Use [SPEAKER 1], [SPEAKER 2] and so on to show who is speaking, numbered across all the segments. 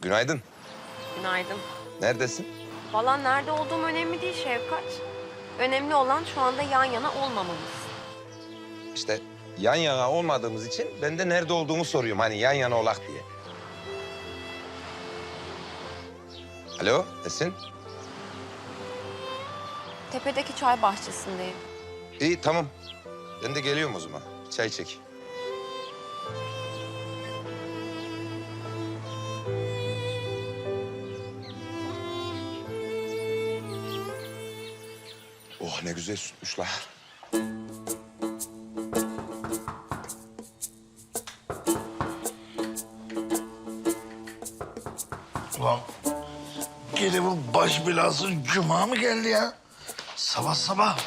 [SPEAKER 1] Günaydın.
[SPEAKER 2] Günaydın.
[SPEAKER 1] Neredesin?
[SPEAKER 2] Vallahi nerede olduğum önemli değil Şevkat. Önemli olan şu anda yan yana olmamamız.
[SPEAKER 1] İşte yan yana olmadığımız için ben de nerede olduğumu soruyorum. Hani yan yana olak diye. Alo Esin.
[SPEAKER 2] Tepedeki çay bahçesindeyim.
[SPEAKER 1] İyi tamam. Ben de geliyorum o zaman. Çay çek. Oh ne güzel sütmüş la.
[SPEAKER 3] Ulan gene bu baş belası cuma mı geldi ya? Sabah sabah.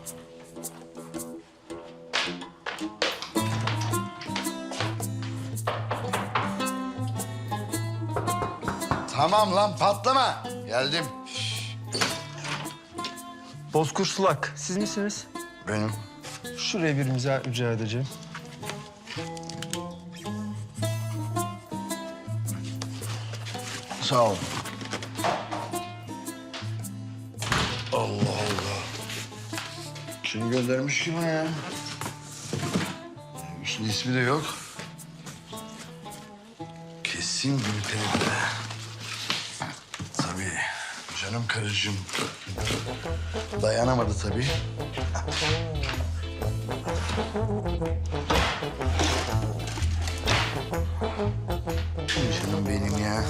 [SPEAKER 3] Tamam lan patlama. Geldim.
[SPEAKER 4] Bozkır Sulak, siz misiniz?
[SPEAKER 3] Benim.
[SPEAKER 4] Şuraya bir imza rica edeceğim.
[SPEAKER 3] Sağ ol. Allah Allah. Kim göndermiş ki bana ya? Üstünde ismi de yok. Kesin Gülperi be. Tabii. Canım karıcığım. Dayanamadı tabii. Canım benim ya.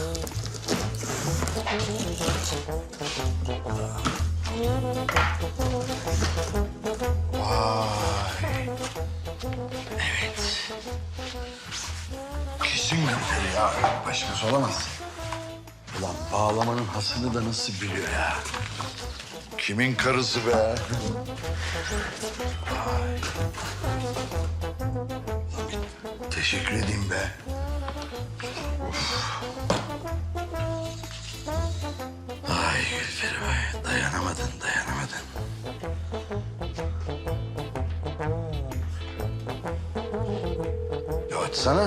[SPEAKER 3] Vay. Evet. Kesin Gülperi ya. Başkası olamaz. Ulan bağlamanın hasını da nasıl biliyor ya? Kimin karısı be? Vay. Teşekkür edeyim be. Of. Ay Gülperi vay. Dayanamadın, dayanamadın. Ya açsana.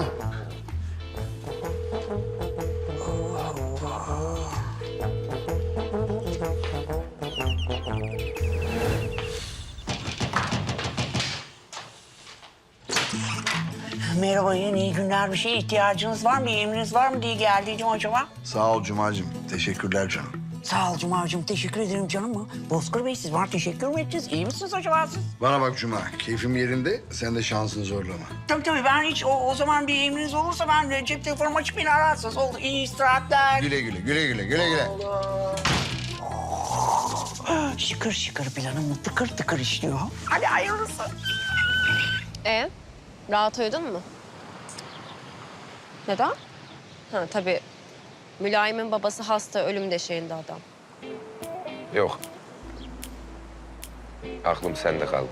[SPEAKER 5] Merhaba, iyi günler. Bir şeye ihtiyacınız var mı? Bir emriniz var mı diye geldiydim acaba.
[SPEAKER 3] Sağ ol Cuma'cığım. Teşekkürler canım.
[SPEAKER 5] Sağ ol Cuma'cığım. Teşekkür ederim canım. Bozkır Bey, siz bana teşekkür mü ettiniz? İyi misiniz acaba siz?
[SPEAKER 3] Bana bak Cuma. Keyfim yerinde. Sen de şansını zorlama.
[SPEAKER 5] Tabii ben hiç o zaman bir emriniz olursa ben cep telefonumu açıp beni ararsınız. Oldu. İyi istirahatler.
[SPEAKER 3] Güle güle, güle güle, güle güle.
[SPEAKER 5] Şıkır şıkır planım tıkır tıkır işliyor. Hadi hayırlısı.
[SPEAKER 2] Rahat uyudun mu? Neden? Ha tabii. Mülayim'in babası hasta, ölüm döşeğinde adam.
[SPEAKER 1] Yok. Aklım sende kaldı.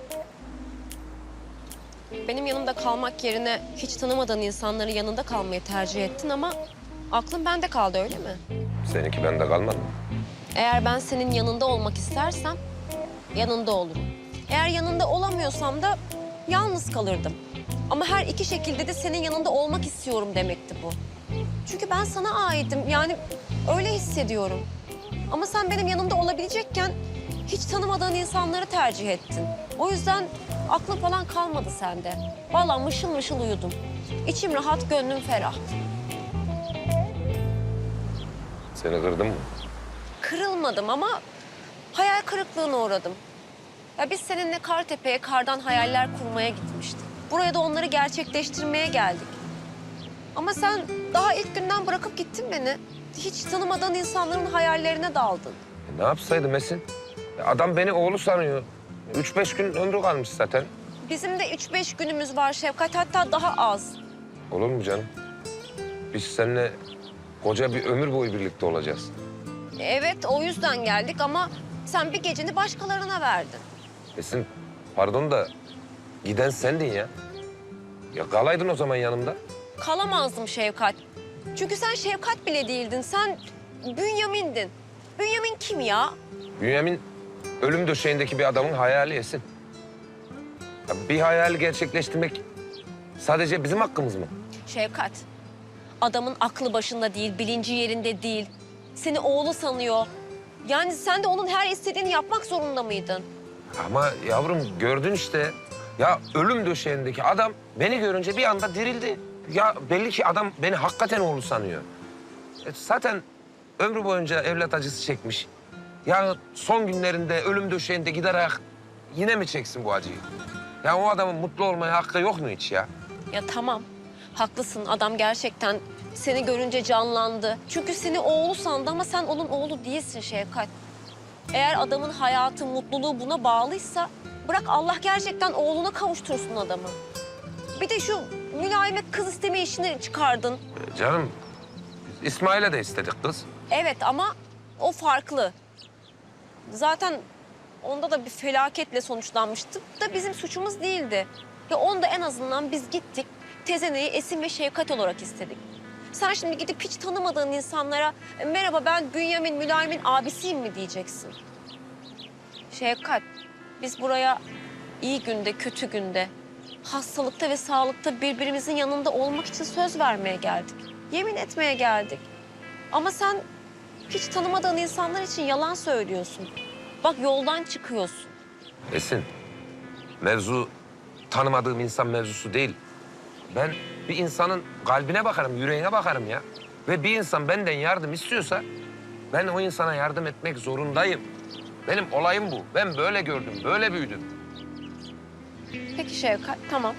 [SPEAKER 2] Benim yanımda kalmak yerine hiç tanımadığın insanların yanında kalmayı tercih ettin ama aklın bende kaldı, öyle mi?
[SPEAKER 1] Seninki bende kalmadı mı?
[SPEAKER 2] Eğer ben senin yanında olmak istersem yanında olurum. Eğer yanında olamıyorsam da yalnız kalırdım. Ama her iki şekilde de senin yanında olmak istiyorum demekti bu. Çünkü ben sana aitim. Yani öyle hissediyorum. Ama sen benim yanımda olabilecekken hiç tanımadığın insanları tercih ettin. O yüzden aklın falan kalmadı sende. Vallahi mışıl mışıl uyudum. İçim rahat, gönlüm ferah.
[SPEAKER 1] Seni kırdım mı?
[SPEAKER 2] Kırılmadım ama hayal kırıklığına uğradım. Ya biz seninle Kartepe'ye kardan hayaller kurmaya gitmiştik. Buraya da onları gerçekleştirmeye geldik. Ama sen daha ilk günden bırakıp gittin beni. Hiç tanımadığın insanların hayallerine daldın.
[SPEAKER 1] Ne yapsaydım Esin? Adam beni oğlu sanıyor. 3-5 gün ömrü kalmış zaten.
[SPEAKER 2] Bizim de 3-5 günümüz var Şevkat, hatta daha az.
[SPEAKER 1] Olur mu canım? Biz seninle koca bir ömür boyu birlikte olacağız.
[SPEAKER 2] Evet, o yüzden geldik ama sen bir geceni başkalarına verdin.
[SPEAKER 1] Esin, pardon da giden sendin ya. Ya kalaydın o zaman yanımda.
[SPEAKER 2] Kalamazdım Şevkat. Çünkü sen Şevkat bile değildin. Sen Bünyamin'din. Bünyamin kim ya?
[SPEAKER 1] Bünyamin ölüm döşeğindeki bir adamın hayali Esin. Ya bir hayali gerçekleştirmek sadece bizim hakkımız mı?
[SPEAKER 2] Şevkat, Adamın aklı başında değil, bilinci yerinde değil. Seni oğlu sanıyor. Yani sen de onun her istediğini yapmak zorunda mıydın?
[SPEAKER 1] Ama yavrum gördün işte. Ya ölüm döşeğindeki adam beni görünce bir anda dirildi. Ya belli ki adam beni hakikaten oğlu sanıyor. Zaten ömrü boyunca evlat acısı çekmiş. Ya son günlerinde ölüm döşeğinde giderek yine mi çeksin bu acıyı? Ya o adamın mutlu olmaya hakkı yok mu hiç ya?
[SPEAKER 2] Ya tamam, haklısın. Adam gerçekten seni görünce canlandı. Çünkü seni oğlu sandı ama sen onun oğlu değilsin Şevkat. Eğer adamın hayatı, mutluluğu buna bağlıysa bırak Allah gerçekten oğluna kavuştursun adamı. Bir de şu mülayime kız isteme işini çıkardın.
[SPEAKER 1] Canım İsmail'e de istedik kız.
[SPEAKER 2] Evet ama o farklı. Zaten onda da bir felaketle sonuçlanmıştı da bizim suçumuz değildi. Ya onda en azından biz gittik, tezeneyi Esin ve Şevkat olarak istedik. Sen şimdi gidip hiç tanımadığın insanlara merhaba ben Bünyamin Mülayim'in abisiyim mi diyeceksin? Şevkat, biz buraya iyi günde, kötü günde, hastalıkta ve sağlıkta birbirimizin yanında olmak için söz vermeye geldik. Yemin etmeye geldik. Ama sen hiç tanımadığın insanlar için yalan söylüyorsun. Bak yoldan çıkıyorsun.
[SPEAKER 1] Esin, mevzu tanımadığım insan mevzusu değil. Ben bir insanın kalbine bakarım, yüreğine bakarım ya. Ve bir insan benden yardım istiyorsa ben o insana yardım etmek zorundayım. Benim olayım bu. Ben böyle gördüm, böyle büyüdüm.
[SPEAKER 2] Peki Şevkat, tamam.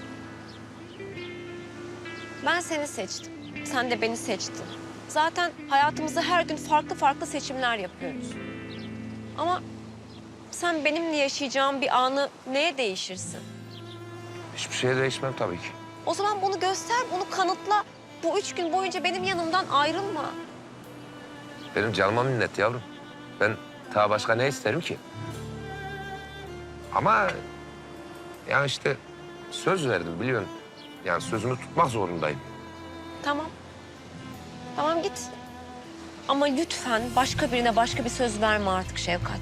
[SPEAKER 2] Ben seni seçtim. Sen de beni seçtin. Zaten hayatımızda her gün farklı farklı seçimler yapıyoruz. Ama sen benimle yaşayacağım bir anı neye değişirsin?
[SPEAKER 1] Hiçbir şeye değişmem tabii ki.
[SPEAKER 2] O zaman bunu göster, bunu kanıtla. Bu 3 gün boyunca benim yanımdan ayrılma.
[SPEAKER 1] Benim canıma minnet yavrum. Ben daha başka ne isterim ki? Ama yani işte söz verdim biliyorsun. Yani sözümü tutmak zorundayım.
[SPEAKER 2] Tamam. Tamam git. Ama lütfen başka birine başka bir söz verme artık Şevkat.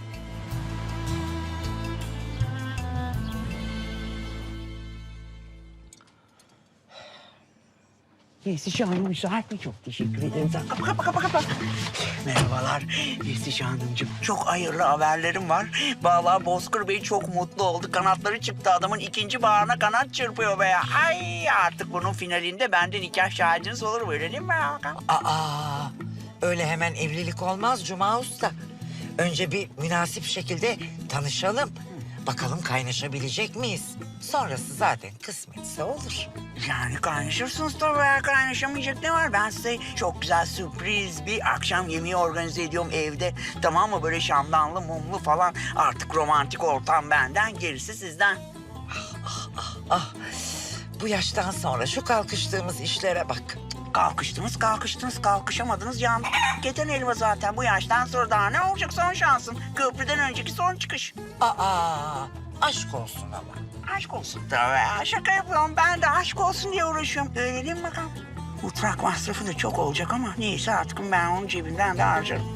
[SPEAKER 5] Yesici Hanım müsait mi? Çok teşekkür ederim. Kapa. Merhabalar Yesici Hanımcığım. Çok hayırlı haberlerim var. Vallahi Bozkır Bey çok mutlu oldu. Kanatları çıktı. Adamın ikinci bağına kanat çırpıyor be ya. Ay artık bunun finalinde bende nikah şahidiniz olur böyle değil mi Hakan?
[SPEAKER 6] Aa, öyle hemen evlilik olmaz Cuma Usta. Önce bir münasip şekilde tanışalım. Bakalım kaynaşabilecek miyiz? Sonrası zaten kısmetse olur.
[SPEAKER 5] Yani kaynaşırsınız tabii ya. Kaynaşamayacak ne var? Ben size çok güzel sürpriz bir akşam yemeği organize ediyorum evde. Tamam mı? Böyle şamdanlı, mumlu falan. Artık romantik ortam benden, gerisi sizden.
[SPEAKER 6] Ah, bu yaştan sonra şu kalkıştığımız işlere bak.
[SPEAKER 5] Kalkıştınız, kalkışamadınız. Yandı. Keten elma zaten. Bu yaştan sonra daha ne olacak son şansın? Köprüden önceki son çıkış.
[SPEAKER 6] Aa, aşk olsun ama.
[SPEAKER 5] Aşk olsun tabii ya. Şaka yapıyorum. Ben de aşk olsun diye uğraşıyorum. Öyle değil mi bakalım? Mutfak masrafı da çok olacak ama neyse artık ben onun cebinden de harcarım.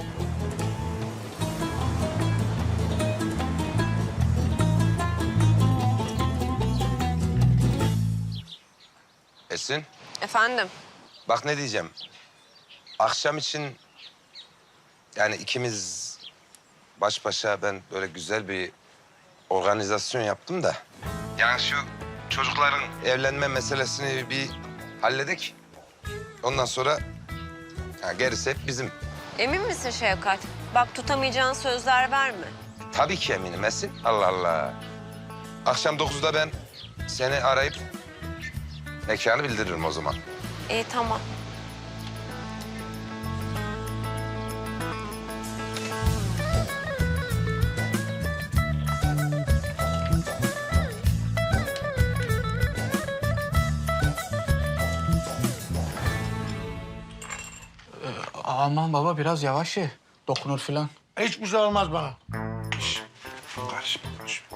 [SPEAKER 1] Esin,
[SPEAKER 2] Efendim?
[SPEAKER 1] bak ne diyeceğim. Akşam için yani ikimiz baş başa ben böyle güzel bir organizasyon yaptım da. Yani şu çocukların evlenme meselesini bir halledek. Ondan sonra gerisi hep bizim.
[SPEAKER 2] Emin misin Şevkat? Bak tutamayacağın sözler verme.
[SPEAKER 1] Tabii ki eminim Esin. Allah Allah. Akşam 9'da ben seni arayıp mekanı bildiririm o zaman.
[SPEAKER 2] İyi tamam.
[SPEAKER 7] Aman baba biraz yavaş ye. Dokunur filan.
[SPEAKER 8] Hiçbir şey olmaz bana.
[SPEAKER 1] Karışma.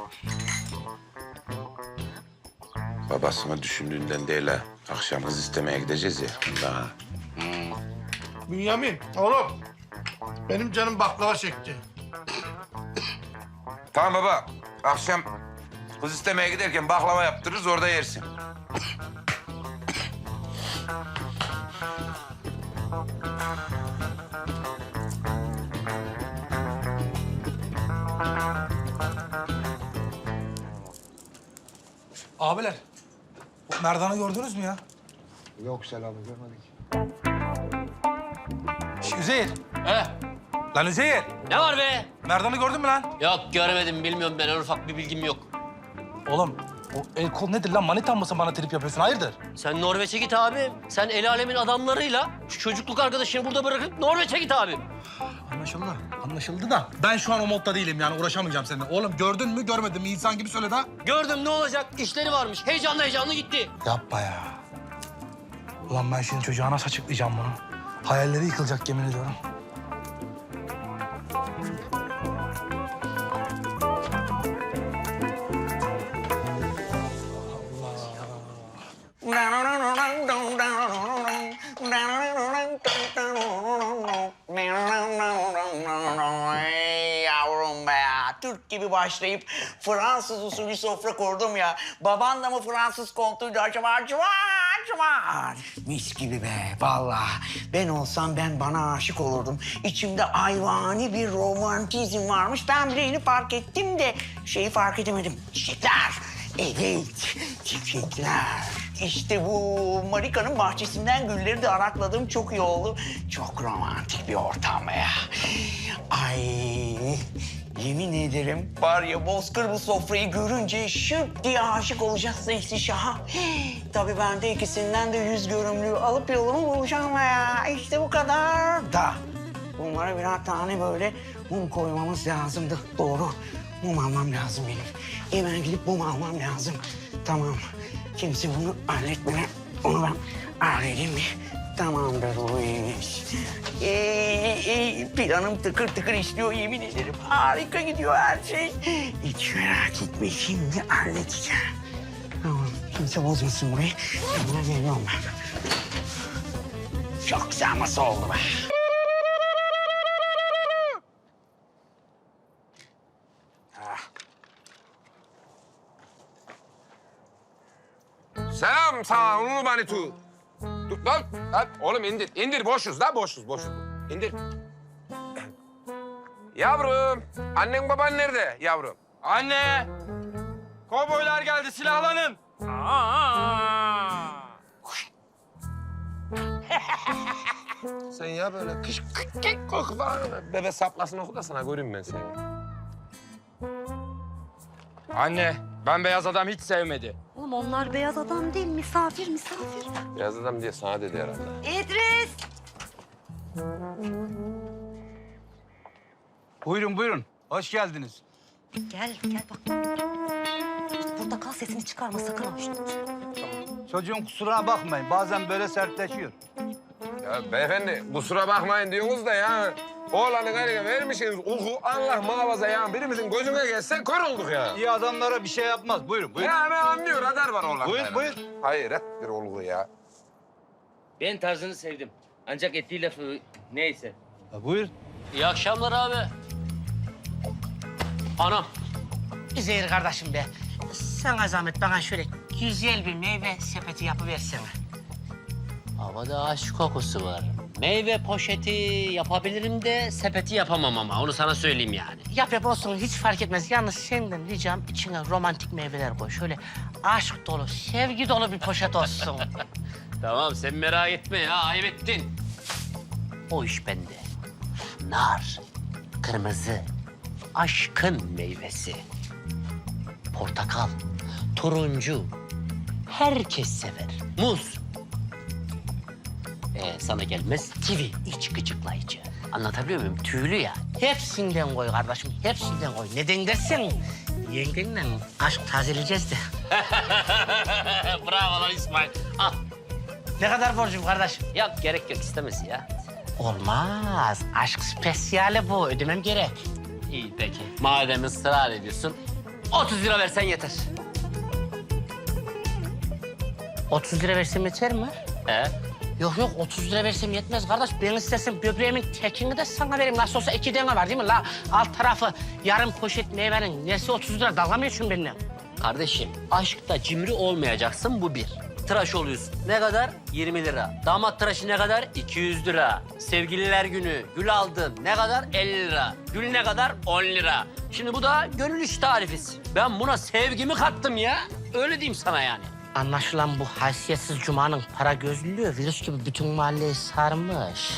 [SPEAKER 1] Babasını düşündüğünden değil ha. Akşam kız istemeye gideceğiz ya. Daha.
[SPEAKER 8] Bünyamin, oğlum. Benim canım baklava çekti.
[SPEAKER 1] Tamam baba. Akşam kız istemeye giderken baklava yaptırırız orada yersin.
[SPEAKER 9] Abiler, bu Merdan'ı gördünüz mü ya?
[SPEAKER 4] Yok Selami görmedik.
[SPEAKER 9] Üzeyir.
[SPEAKER 10] He,
[SPEAKER 9] Lan Üzeyir.
[SPEAKER 10] ne var be?
[SPEAKER 9] Merdan'ı gördün mü lan?
[SPEAKER 10] Yok görmedim, bilmiyorum ben. En ufak bir bilgim yok.
[SPEAKER 9] Oğlum, o el kol nedir lan? Manitan mısın bana trip yapıyorsun? Hayırdır?
[SPEAKER 10] Sen Norveç'e git abi. Sen el alemin adamlarıyla şu çocukluk arkadaşını burada bırakıp Norveç'e git abi.
[SPEAKER 9] Anlaşıldı. Anlaşıldı da ben şu an o modda değilim yani uğraşamayacağım seninle. Oğlum gördün mü görmedin mi insan gibi söyle de.
[SPEAKER 10] Gördüm, ne olacak? İşleri varmış. Heyecanlı heyecanlı gitti.
[SPEAKER 9] Yapma ya. Ulan ben şimdi çocuğa nasıl açıklayacağım bunu? Hayalleri yıkılacak yemin ediyorum.
[SPEAKER 5] Yavrum be ya. Türk gibi başlayıp Fransız usulü sofra kurdum ya. Baban da mı Fransız kontuydu acaba? Cıvar. Mis gibi be vallahi. Ben olsam ben bana aşık olurdum. İçimde hayvani bir romantizm varmış. Ben bile yeni fark ettim de şeyi fark edemedim. Çiçekler. Evet, çiçekler. İşte bu Marika'nın bahçesinden gülleri de arakladım. Çok iyi oldu. Çok romantik bir ortam ya. Ay, yemin ederim var ya Bozkır bu sofrayı görünce şıp diye aşık olacak Zeytişah'a. Tabii ben de ikisinden de 100 görümlüğü alıp yolumu bulacağım ya. İşte bu kadar da. Bunlara birer tane böyle mum koymamız lazımdı. Doğru. Mum almam lazım benim. Hemen gidip mum almam lazım. Tamam. Kimse bunu halletmeden onu ben halledeyim mi? Tamamdır bu iyiymiş. Planım tıkır tıkır işliyor yemin ederim. Harika gidiyor her şey. Hiç merak etme şimdi halledeceğim. Tamam. Kimse bozmasın burayı. Hemen geliyorum ben. Çok güzel masa oldu be.
[SPEAKER 1] Selam sana Ulu Manitu. Dur lan. Lan oğlum indir. İndir boşuz lan boşuz. İndir. Yavrum. Annen baban nerede yavrum?
[SPEAKER 4] Anne! Kovboylar geldi silahlanın.
[SPEAKER 1] Sen ya böyle kış koku falan. Bebe saplasın oku da sana göreyim ben seni.
[SPEAKER 4] Anne ben beyaz adam hiç sevmedi.
[SPEAKER 2] Oğlum onlar beyaz adam değil, misafir.
[SPEAKER 1] Beyaz adam diye sana dedi herhalde.
[SPEAKER 2] İdris!
[SPEAKER 4] Buyurun. Hoş geldiniz.
[SPEAKER 2] Gel bak. Burada kal, sesini çıkarma sakın ha.
[SPEAKER 4] Çocuğun kusuruna bakmayın. Bazen böyle sertleşiyor.
[SPEAKER 1] Ya beyefendi kusura bakmayın diyorsunuz da ya. Oğlanın eline vermişsiniz uku Allah muhafaza ya. Birimizin gözüne gelse kör olduk ya.
[SPEAKER 4] İyi adamlara bir şey yapmaz. Buyurun.
[SPEAKER 1] Ya ben anlıyor radar var oğlan.
[SPEAKER 4] Buyur.
[SPEAKER 1] Hayret bir olgu ya.
[SPEAKER 10] Ben tarzını sevdim. Ancak ettiği lafı neyse.
[SPEAKER 4] Buyur.
[SPEAKER 10] İyi akşamlar abi. Anam.
[SPEAKER 5] Üzeyir kardeşim be. Sana zahmet bana şöyle güzel bir meyve sepeti yapıversene.
[SPEAKER 10] Havada aşk kokusu var. Meyve poşeti yapabilirim de sepeti yapamam ama onu sana söyleyeyim yani.
[SPEAKER 5] Yap olsun hiç fark etmez. Yalnız senden ricam içine romantik meyveler koy. Şöyle aşk dolu, sevgi dolu bir poşet olsun.
[SPEAKER 10] Tamam sen merak etme ya, ayıp ettin. O iş bende. Nar, kırmızı, aşkın meyvesi. Portakal, turuncu. Herkes sever. Muz. Sana gelmez kivi, iç gıcıklayıcı. Anlatabiliyor muyum? Tüylü ya.
[SPEAKER 5] Hepsinden koy kardeşim, hepsinden koy. Neden dersen yengenle aşk tazeleyeceğiz de.
[SPEAKER 10] Bravo lan İsmail. Al.
[SPEAKER 5] Ne kadar borcum kardeşim?
[SPEAKER 10] Yok gerek yok istemez ya.
[SPEAKER 5] Olmaz. Aşk spesiyali bu. Ödemem gerek.
[SPEAKER 10] İyi peki. Madem ısrar ediyorsun 30 lira versen yeter.
[SPEAKER 5] 30 lira versem yeter mi?
[SPEAKER 10] He?
[SPEAKER 5] Yok 30 lira versem yetmez kardeş. Ben istersen böbreğimin tekini de sana vereyim. Nasıl olsa 2 tane var değil mi la? Alt tarafı yarım poşet meyvenin nesi 30 lira? Dalga mı geçiyorsun benimle?
[SPEAKER 10] Kardeşim aşkta cimri olmayacaksın bu bir. Tıraş oluyorsun. Ne kadar? 20 lira. Damat tıraşı ne kadar? 200 lira. Sevgililer günü gül aldın. Ne kadar? 50 lira. Gül ne kadar? 10 lira. Şimdi bu da gönül iş tarifesi. Ben buna sevgimi kattım ya. Öyle diyeyim sana yani.
[SPEAKER 5] Anlaşılan bu haysiyetsiz Cuma'nın para gözlülüğü virüs gibi bütün mahalleyi sarmış.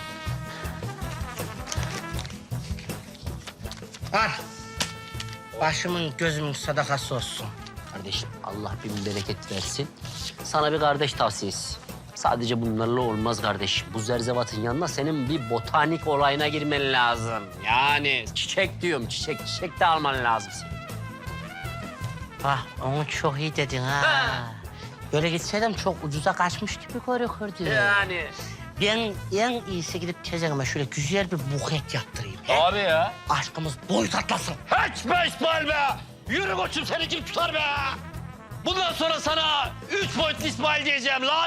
[SPEAKER 5] Al. Başımın gözümün sadakası olsun.
[SPEAKER 10] Kardeşim Allah bin bereket versin. Sana bir kardeş tavsiyesi. Sadece bunlarla olmaz kardeşim. Bu zerzevatın yanına senin bir botanik olayına girmen lazım. Yani çiçek diyorum, çiçek de alman lazım senin.
[SPEAKER 5] Ah, onu çok iyi dedin ha. Böyle gitseydim çok ucuza kaçmış gibi görünürdü.
[SPEAKER 10] Yani.
[SPEAKER 5] Ben en iyisi gidip teyzeme şöyle güzel bir buket yaptırayım. he?
[SPEAKER 10] Abi ya.
[SPEAKER 5] Aşkımız boyut atlasın.
[SPEAKER 10] Hiç be İsmail be! Yürü koçum seni kim tutar be! Bundan sonra sana 3 boyutlu İsmail diyeceğim lan!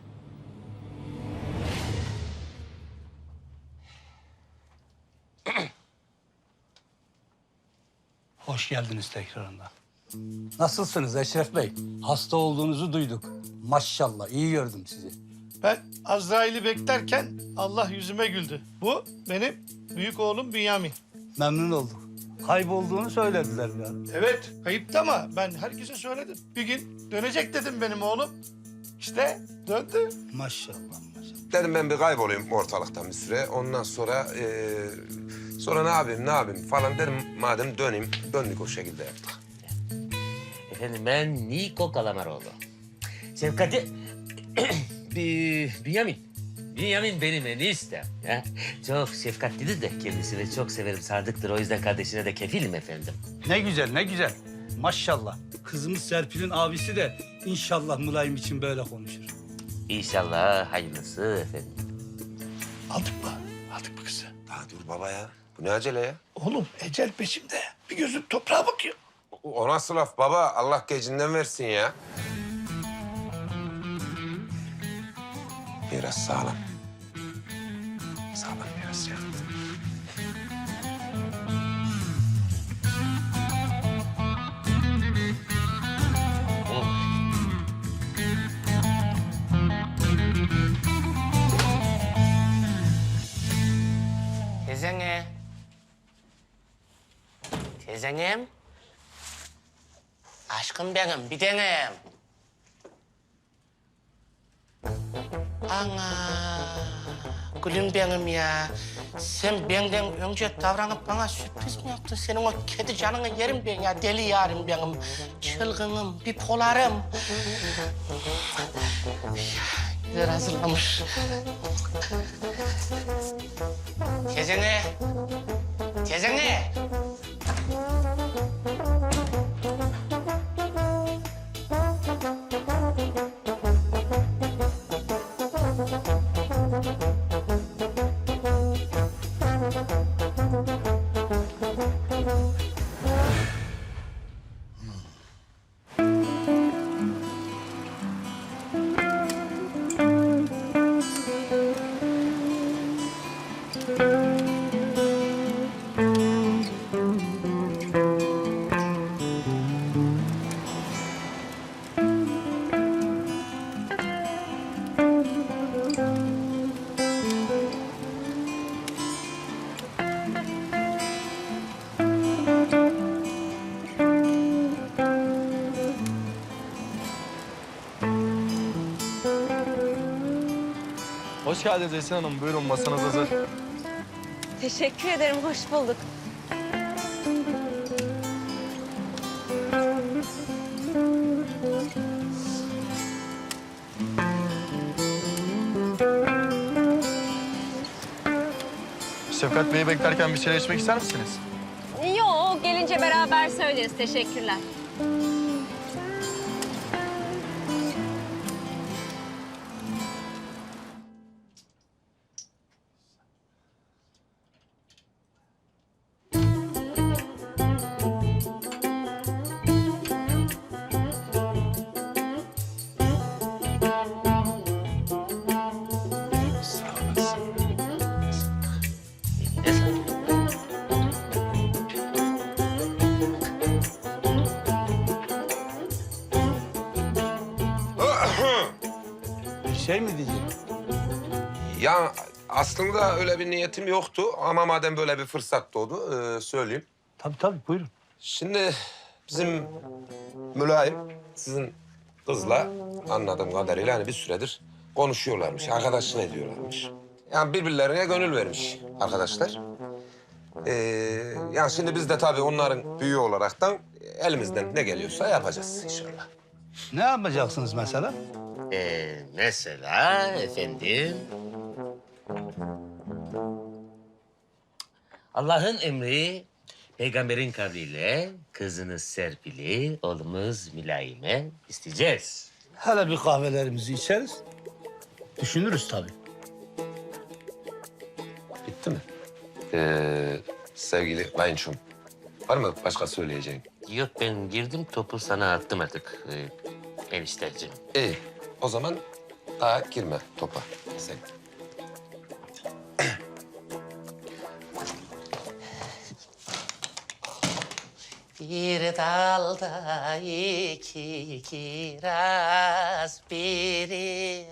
[SPEAKER 4] Hoş geldiniz tekrarında. Nasılsınız Eşref Bey? Hasta olduğunuzu duyduk. Maşallah iyi gördüm sizi.
[SPEAKER 8] Ben Azrail'i beklerken Allah yüzüme güldü. Bu benim büyük oğlum Bünyamin.
[SPEAKER 4] Memnun olduk. Kaybolduğunu söylediler ya.
[SPEAKER 8] Evet, kayıptı ama ben herkese söyledim. Bir gün dönecek dedim benim oğlum. İşte döndü.
[SPEAKER 4] Maşallah maşallah.
[SPEAKER 1] Dedim ben bir kaybolayım ortalıktan bir süre. Ondan sonra sonra ne yapayım falan dedim. Madem döneyim, döndük o şekilde yaptık.
[SPEAKER 11] Efendim ben Niko Kalamaroğlu. Şefkati... Bünyamin benim eniştem. Ya. Çok şefkatlidir de kendisini çok severim, sadıktır. O yüzden kardeşine de kefilim efendim.
[SPEAKER 4] Ne güzel ne güzel. Maşallah. Kızımız Serpil'in abisi de inşallah Mülayim için böyle konuşur.
[SPEAKER 11] İnşallah hayırlısı efendim.
[SPEAKER 8] Aldık mı? Aldık mı kızı?
[SPEAKER 1] Daha dur baba ya. Bu ne acele ya?
[SPEAKER 8] Oğlum ecel peşimde. Bir gözüm toprağa bakıyor.
[SPEAKER 1] O nasıl laf baba? Allah gecinden versin ya. Biraz sağlam. Sağlam biraz ya.
[SPEAKER 5] Teyzene. Teyzenem. Aşkım benim, bir tanem. Ana, gülüm benim ya. Sen benden önce davranıp bana sürpriz mi yaptın? Senin o kedi canını yerim ben ya. Deli yarim benim. Çılgınım, bipolarım. Güzel hazırlamış. Teyzene. Teyzene.
[SPEAKER 9] Hoş geldiniz Esin Hanım. Buyurun masanız hazır.
[SPEAKER 2] Teşekkür ederim, hoş bulduk.
[SPEAKER 9] Şefkat Bey'i beklerken bir şeyler içmek ister misiniz?
[SPEAKER 2] Yok, gelince beraber söyleriz. Teşekkürler.
[SPEAKER 4] Bir şey mi diyecek?
[SPEAKER 1] Ya aslında öyle bir niyetim yoktu ama madem böyle bir fırsat doğdu söyleyeyim.
[SPEAKER 4] Tabii buyurun.
[SPEAKER 1] Şimdi bizim mülayim sizin kızla anladığım kadarıyla hani bir süredir konuşuyorlarmış, arkadaşlık ediyorlarmış. Yani birbirlerine gönül vermiş arkadaşlar. Yani şimdi biz de tabii onların büyüğü olaraktan elimizden ne geliyorsa yapacağız inşallah.
[SPEAKER 4] Ne yapacaksınız mesela?
[SPEAKER 11] Mesela efendim... Allah'ın emri, peygamberin kavliyle kızınız Serpil'i, oğlumuz Mülayim'e isteyeceğiz.
[SPEAKER 4] Hele bir kahvelerimizi içeriz. Düşünürüz tabii.
[SPEAKER 1] Bitti mi? Sevgili kayınçom, var mı başka söyleyeceğin?
[SPEAKER 11] Yok, ben girdim, topu sana attım artık enişteciğim.
[SPEAKER 1] İyi, o zaman daha girme topa sen.
[SPEAKER 11] Bir dalda iki kiraz biri...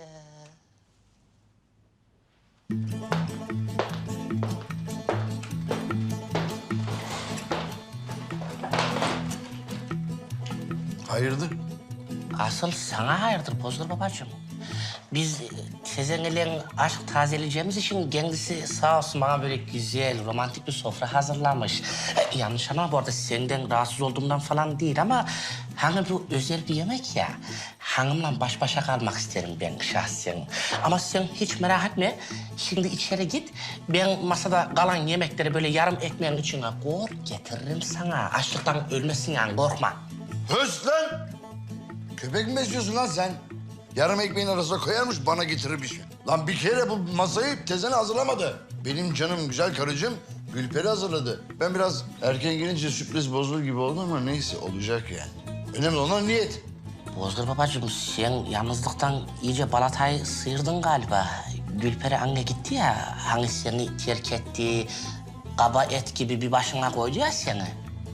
[SPEAKER 3] Hayırdır?
[SPEAKER 11] Asıl sana hayırdır Bozdur babacığım. Biz tezenlerin aşk tazeleyeceğimiz için kendisi sağ olsun bana böyle güzel, romantik bir sofra hazırlamış. Yanlış ama bu arada senden rahatsız olduğumdan falan değil ama... ...hani bu özel bir yemek ya. Hanımla baş başa kalmak isterim ben şahsen. Ama sen hiç merak etme. Şimdi içeri git. Ben masada kalan yemekleri böyle yarım ekmeğin içine koy getiririm sana. Açlıktan ölmesin yani, korkma.
[SPEAKER 3] Höst lan! Köpek mi besliyorsun lan sen? Yarım ekmeğin arasına koyarmış, bana getirir bir şey. Lan bir kere bu masayı tezene hazırlamadı. Benim canım güzel karıcığım Gülperi hazırladı. Ben biraz erken gelince sürpriz bozulur gibi oldu ama neyse, olacak yani. Önemli olan niyet.
[SPEAKER 11] Bozdur babacığım, sen yalnızlıktan iyice balatayı sıyırdın galiba. Gülperi anne gitti ya, hani seni terk etti, kaba et gibi bir başına koydu ya seni.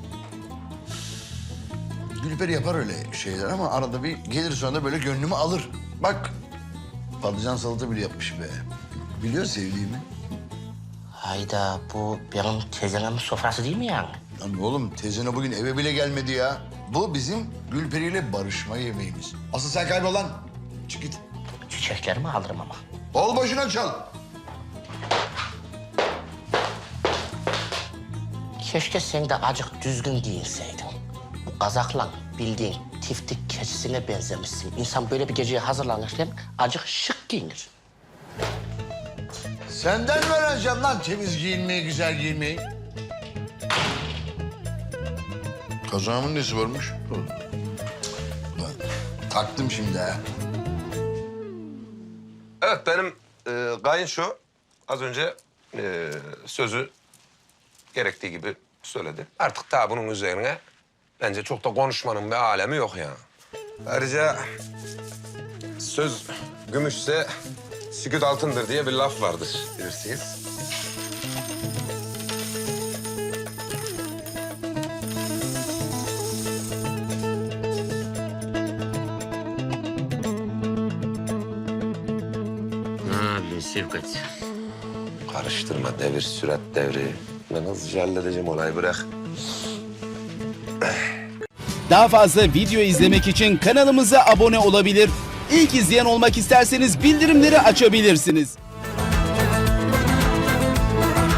[SPEAKER 3] Gülperi yapar öyle şeyler ama arada bir gelir sonra da böyle gönlümü alır. Bak, patlıcan salata bile yapmış be. Biliyor sevdiğimi.
[SPEAKER 11] Hayda, bu benim teyzemin sofrası değil mi yani?
[SPEAKER 3] Lan oğlum, teyzene bugün eve bile gelmedi ya. Bu bizim Gülperi'yle barışma yemeğimiz. Asıl sen kaybol lan. Çık git.
[SPEAKER 11] Çiçeklerimi alırım ama.
[SPEAKER 3] Bol başına çal.
[SPEAKER 11] Keşke sen de acık düzgün giyinseydin. Bu kazakla bildiğin tiftik keçisine benzemişsin. İnsan böyle bir geceye hazırlanırken acık şık giyinir.
[SPEAKER 3] Senden öğreneceğim lan temiz giyinmeyi, güzel giyinmeyi. Kazağımın nesi varmış? Lan, taktım şimdi ha.
[SPEAKER 1] Evet, benim kayınço az önce sözü gerektiği gibi söyledi. Artık daha bunun üzerine bence çok da konuşmanın bir alemi yok ya. Ayrıca söz gümüşse sükût altındır diye bir laf vardır bilirsiniz.
[SPEAKER 11] Ne yapıyorsun Şevkat?
[SPEAKER 1] Karıştırma, devir sürat devri. Ben hızlıca halledeceğim olayı, bırak.
[SPEAKER 12] Daha fazla video izlemek için kanalımıza abone olabilir. İlk izleyen olmak isterseniz bildirimleri açabilirsiniz.